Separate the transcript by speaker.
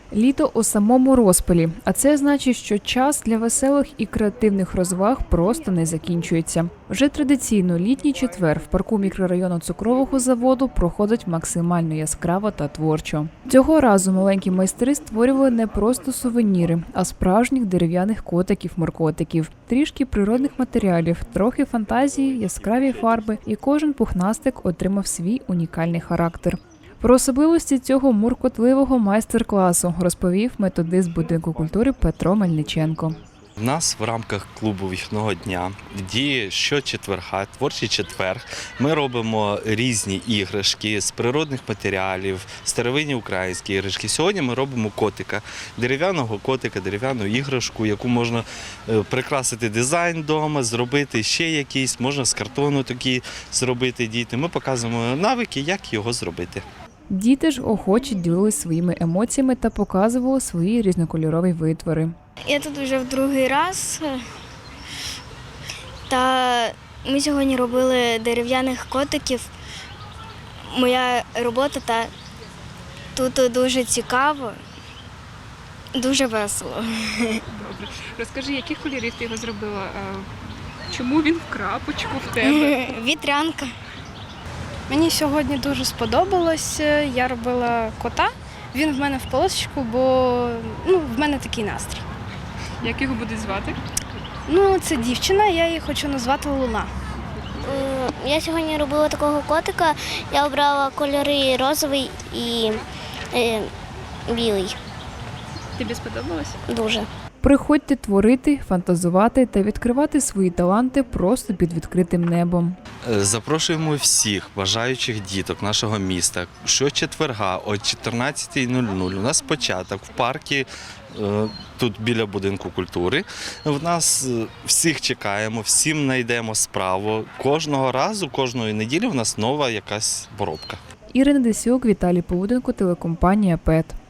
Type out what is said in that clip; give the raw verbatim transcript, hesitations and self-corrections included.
Speaker 1: Літо у самому розпалі, а це значить, що час для веселих і креативних розваг просто не закінчується. Вже традиційно літній четвер в парку мікрорайону Цукрового заводу проходить максимально яскраво та творчо. Цього разу маленькі майстри створювали не просто сувеніри, а справжніх дерев'яних котиків-моркотиків. Трішки природних матеріалів, трохи фантазії, яскраві фарби, і кожен пухнастик отримав свій унікальний характер. Про особливості цього муркотливого майстер-класу розповів методист будинку культури Петро Мельниченко.
Speaker 2: У нас в рамках клубу вихідного дня діє щочетверга, творчий четвер. Ми робимо різні іграшки з природних матеріалів, старовинні українські іграшки. Сьогодні ми робимо котика, дерев'яного котика, дерев'яну іграшку, яку можна прикрасити дизайн вдома, зробити ще якийсь, можна з картону такі зробити діти. Ми показуємо навики, як його зробити.
Speaker 1: Діти ж охоче ділились своїми емоціями та показували свої різнокольорові витвори.
Speaker 3: Я тут вже в другий раз, та ми сьогодні робили дерев'яних котиків. Моя робота та тут дуже цікаво, дуже весело.
Speaker 4: Добре. Розкажи, яких кольорів ти його зробила? Чому він в крапочку в тебе?
Speaker 3: Вітрянка.
Speaker 5: Мені сьогодні дуже сподобалось. Я робила кота. Він в мене в полосочку, бо ну, в мене такий настрій.
Speaker 4: Як його будуть звати?
Speaker 5: Ну, це дівчина, я її хочу назвати Луна.
Speaker 3: Я сьогодні робила такого котика. Я обрала кольори розовий і е, білий.
Speaker 4: Тобі сподобалось?
Speaker 3: Дуже.
Speaker 1: Приходьте творити, фантазувати та відкривати свої таланти просто під відкритим небом.
Speaker 2: Запрошуємо всіх бажаючих діток нашого міста щочетверга о чотирнадцятій нуль нуль. У нас початок в парку, тут біля будинку культури. В нас всіх чекаємо, всім знайдемо справу. Кожного разу, кожної неділі у нас нова якась поробка.
Speaker 1: Ірина Десюк, Віталій Повуденко, телекомпанія «Пет».